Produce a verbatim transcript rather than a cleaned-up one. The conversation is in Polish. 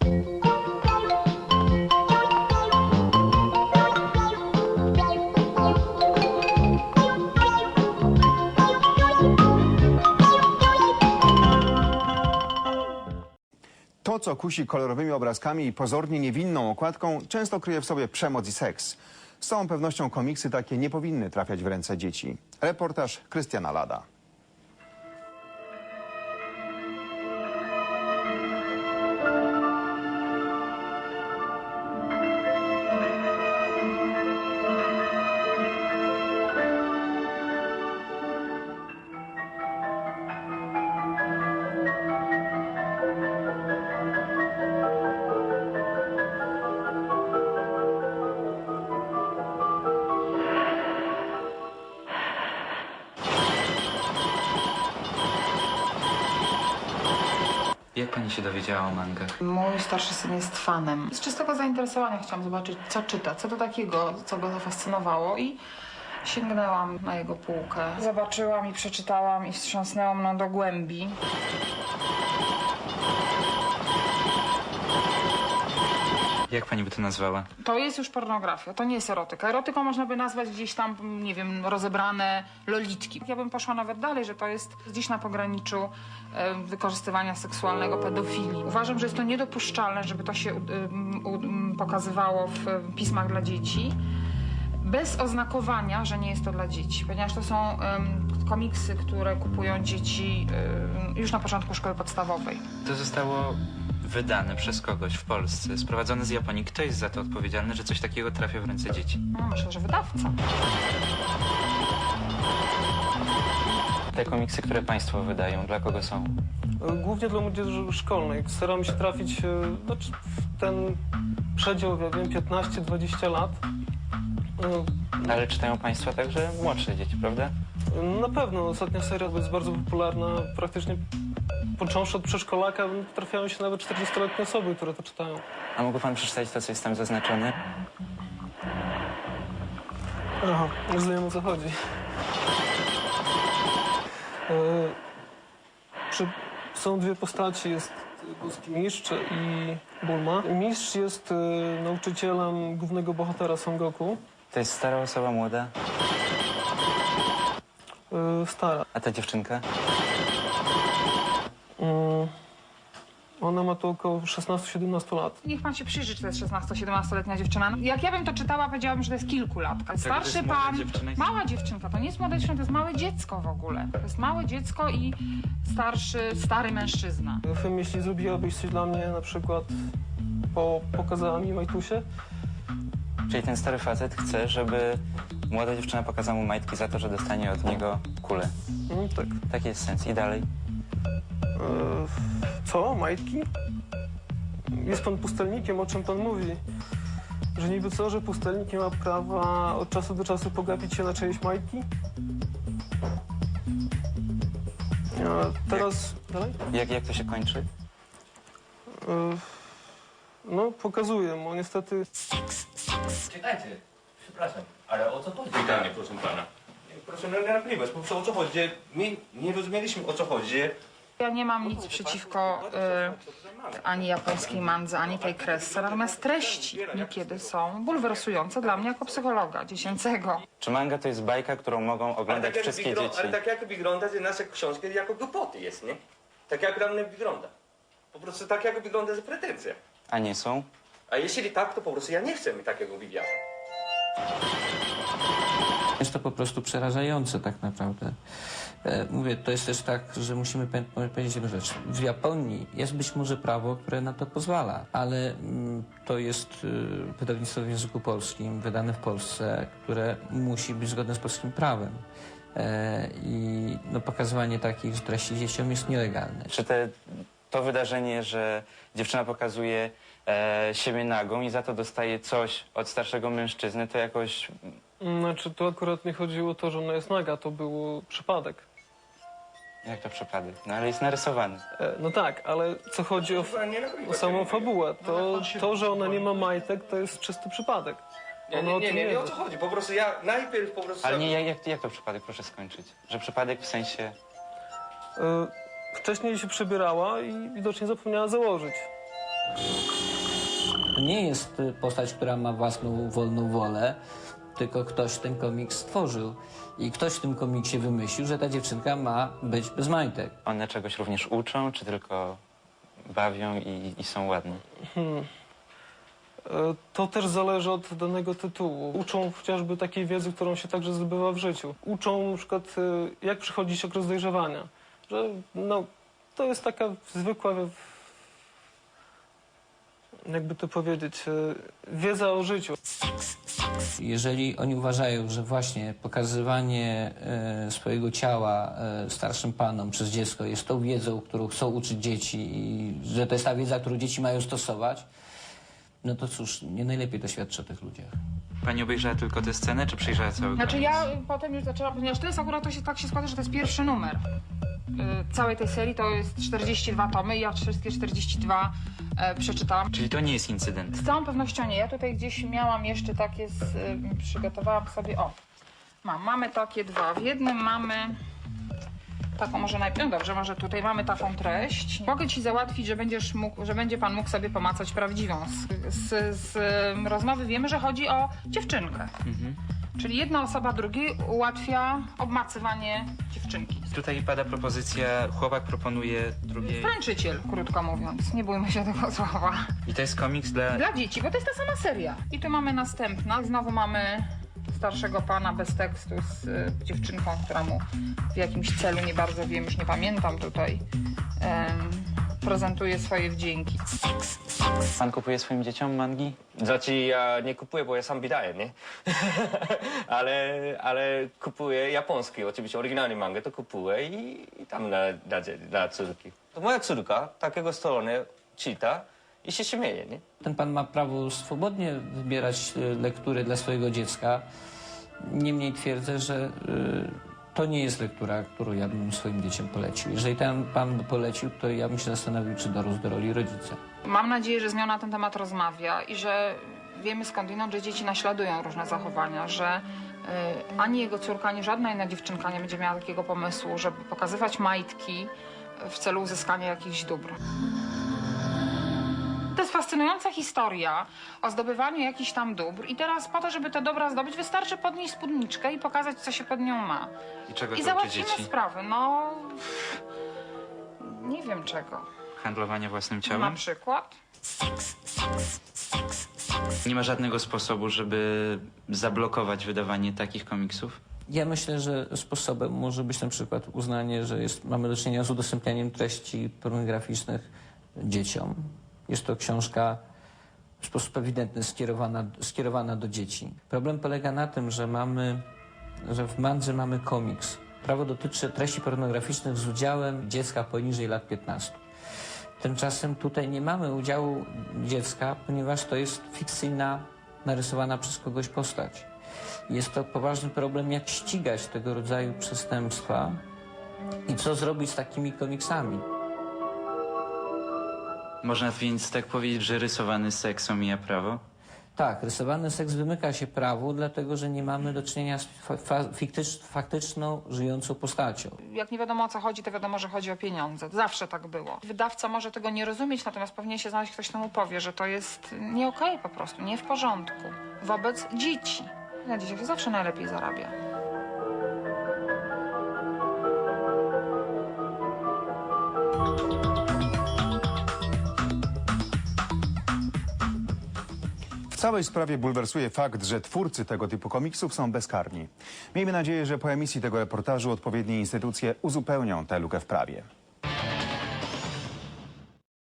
To, co kusi kolorowymi obrazkami i pozornie niewinną okładką, często kryje w sobie przemoc i seks. Z całą pewnością komiksy takie nie powinny trafiać w ręce dzieci. Reportaż Krystiana Lada. Jak pani się dowiedziała o mangach? Mój starszy syn jest fanem. Z czystego zainteresowania chciałam zobaczyć, co czyta, co to takiego, co go zafascynowało i sięgnęłam na jego półkę. Zobaczyłam i przeczytałam i wstrząsnęło mną do głębi. Jak pani by to nazwała? To jest już pornografia, to nie jest erotyka. Erotyką można by nazwać gdzieś tam, nie wiem, rozebrane lolitki. Ja bym poszła nawet dalej, że to jest gdzieś na pograniczu e, wykorzystywania seksualnego, pedofilii. Uważam, że jest to niedopuszczalne, żeby to się um, um, pokazywało w um, pismach dla dzieci, bez oznakowania, że nie jest to dla dzieci, ponieważ to są um, komiksy, które kupują dzieci um, już na początku szkoły podstawowej. To zostało wydane przez kogoś w Polsce, sprowadzone z Japonii. Kto jest za to odpowiedzialny, że coś takiego trafia w ręce dzieci? No, myślę, że wydawca. Te komiksy, które państwo wydają, dla kogo są? Głównie dla młodzieży szkolnej. Staramy się trafić znaczy, w ten przedział, ja wiem, piętnaście dwadzieścia lat. Ale czytają państwo także młodsze dzieci, prawda? Na pewno. Ostatnia seria jest bardzo popularna. Praktycznie począwszy od przedszkolaka trafiają się nawet czterdziestoletnie osoby, które to czytają. A mógłby pan przeczytać to, co jest tam zaznaczone? Aha, już wiem, o co chodzi. E, przy, są dwie postaci. Jest boski mistrz i Bulma. Mistrz jest e, nauczycielem głównego bohatera Son Goku. To jest stara osoba, młoda? E, stara. A ta dziewczynka? Mm, ona ma tu około szesnaście siedemnaście lat. Niech pan się przyjrzy, czy to jest szesnasto-siedemnastoletnia dziewczyna. Jak ja bym to czytała, powiedziałabym, że to jest kilkulatka. Starszy to jest młoda pan, dziewczyna i- mała dziewczynka, to nie jest młoda dziewczyna, to jest małe dziecko w ogóle. To jest małe dziecko i starszy, stary mężczyzna. Fem, jeśli zrobiłabyś coś dla mnie, na przykład po, pokazała mi Majtusie, Czyli ten stary facet chce, żeby młoda dziewczyna pokazała mu majtki za to, że dostanie od niego kulę. mm, tak. Taki jest sens. I dalej? E, co? Majtki? Jest pan pustelnikiem, o czym pan mówi? Że niby co, że pustelnik nie ma prawa od czasu do czasu pogapić się na czyjeś majtki? A teraz... Dalej? Jak, jak to się kończy? E, no, pokazuję mu, niestety... Czekajcie, przepraszam, ale o co chodzi? Pytanie, proszę pana. Proszę nie narywać, po prostu o co chodzi? My nie rozumieliśmy, o co chodzi. Ja nie mam nic przeciwko y, ani japońskiej mandze, ani tej kresce, natomiast treści niekiedy są bulwersujące dla mnie jako psychologa dziecięcego. Czy manga to jest bajka, którą mogą oglądać jak wszystkie wygl- dzieci? ale tak jak wygląda, że nasze książki jako głupoty jest, nie? Tak jak dla mnie wygląda. Po prostu tak jak wygląda, że pretensja. A nie są? A jeśli tak, to po prostu ja nie chcę mi takiego wywiadu. Jest to po prostu przerażające tak naprawdę. E, mówię, to jest też tak, że musimy pamię- powiedzieć jedną rzecz. W Japonii jest być może prawo, które na to pozwala, ale mm, to jest y, wydawnictwo w języku polskim, wydane w Polsce, które musi być zgodne z polskim prawem. E, I no, pokazywanie takich treści dzieciom jest nielegalne. Czy te, to wydarzenie, że dziewczyna pokazuje e, siebie nagą i za to dostaje coś od starszego mężczyzny, to jakoś... Znaczy, tu akurat nie chodziło o to, że ona jest naga, to był przypadek. Jak to przypadek? No ale jest narysowany. E, no tak, ale co chodzi o, Chyba nie nagrywać. o samą fabułę, to, to, że ona nie ma majtek, to jest czysty przypadek. Nie, Ona nie, o nie, tym nie, wie. nie o co chodzi. Po prostu ja najpierw po prostu... Ale nie, jak, jak, jak to przypadek? Proszę skończyć. Że przypadek w sensie... E, wcześniej się przebierała i widocznie zapomniała założyć. To nie jest y, postać, która ma własną wolną wolę, tylko ktoś ten komiks stworzył. I ktoś w tym komiksie wymyślił, że ta dziewczynka ma być bez majtek. One czegoś również uczą, czy tylko bawią i, i są ładne? Hmm. E, To też zależy od danego tytułu. Uczą chociażby takiej wiedzy, którą się także zdobywa w życiu. Uczą na przykład, e, jak przychodzić okres dojrzewania. Że no, to jest taka zwykła, jakby to powiedzieć, e, wiedza o życiu. Jeżeli oni uważają, że właśnie pokazywanie e, swojego ciała e, starszym panom przez dziecko jest tą wiedzą, którą chcą uczyć dzieci i że to jest ta wiedza, którą dzieci mają stosować, no to cóż, nie najlepiej to świadczy o tych ludziach. Pani obejrzała tylko tę scenę, czy przejrzała cały Znaczy komiks? ja potem już zaczęłam, ponieważ to jest akurat, to się tak się składa, że to jest pierwszy numer. Y, całej tej serii to jest czterdzieści dwa tomy i ja wszystkie czterdzieści dwa e, przeczytałam. Czyli to nie jest incydent. Z całą pewnością nie. Ja tutaj gdzieś miałam jeszcze takie, z, y, przygotowałam sobie, o, mam, mamy takie dwa. W jednym mamy taką, może najpierw, no dobrze, może tutaj mamy taką treść. Mogę ci załatwić, że będziesz mógł, że będzie pan mógł sobie pomacać prawdziwą. Z, z, z y, rozmowy wiemy, że chodzi o dziewczynkę. Mhm. Czyli jedna osoba drugiej ułatwia obmacywanie dziewczynki. Tutaj pada propozycja, chłopak proponuje drugiej... Tańczyciel, krótko mówiąc. Nie bójmy się tego słowa. I to jest komiks dla... Dla dzieci, bo to jest ta sama seria. I tu mamy następna. Znowu mamy starszego pana bez tekstu z y, dziewczynką, która mu w jakimś celu, nie bardzo wiem, już nie pamiętam tutaj, em, prezentuje swoje wdzięki. Pan kupuje swoim dzieciom mangi? Znaczy ja nie kupuję, bo ja sam wydaję, nie? ale, ale kupuję japoński, oczywiście oryginalny mangę to kupuję i, i tam dla, dla, dla córki. To moja córka takiego strony czyta i się śmieje, nie? Ten pan ma prawo swobodnie wybierać y, lektury dla swojego dziecka. Niemniej twierdzę, że y, to nie jest lektura, którą ja bym swoim dzieciom polecił. Jeżeli ten pan by polecił, to ja bym się zastanowił, czy dorósł do roli rodzica. Mam nadzieję, że z nią na ten temat rozmawia i że wiemy skądinąd, że dzieci naśladują różne zachowania, że y, ani jego córka, ani żadna inna dziewczynka nie będzie miała takiego pomysłu, żeby pokazywać majtki w celu uzyskania jakichś dóbr. To jest fascynująca historia o zdobywaniu jakichś tam dóbr i teraz po to, żeby te dobra zdobyć, wystarczy podnieść spódniczkę i pokazać, co się pod nią ma. I czego I to uczy załatwimy dzieci? sprawę. No, nie wiem czego. Handlowanie własnym Na ciałem? przykład. Nie ma żadnego sposobu, żeby zablokować wydawanie takich komiksów? Ja myślę, że sposobem może być na przykład uznanie, że jest, mamy do czynienia z udostępnianiem treści pornograficznych dzieciom. Jest to książka w sposób ewidentny skierowana, skierowana do dzieci. Problem polega na tym, że mamy, że w mandze mamy komiks. Prawo dotyczy treści pornograficznych z udziałem dziecka poniżej lat piętnastu. Tymczasem tutaj nie mamy udziału dziecka, ponieważ to jest fikcyjna, narysowana przez kogoś postać. Jest to poważny problem, jak ścigać tego rodzaju przestępstwa i co zrobić z takimi komiksami. Można więc tak powiedzieć, że rysowany seks omija prawo? Tak, rysowany seks wymyka się prawu, dlatego że nie mamy do czynienia z fa fa fiktycz faktyczną, żyjącą postacią. Jak nie wiadomo o co chodzi, to wiadomo, że chodzi o pieniądze. Zawsze tak było. Wydawca może tego nie rozumieć, natomiast powinien się znaleźć ktoś, kto mu powie, że to jest nie okej po prostu, nie w porządku. Wobec dzieci. Na dzieciach się zawsze najlepiej zarabia. W całej sprawie bulwersuje fakt, że twórcy tego typu komiksów są bezkarni. Miejmy nadzieję, że po emisji tego reportażu odpowiednie instytucje uzupełnią tę lukę w prawie.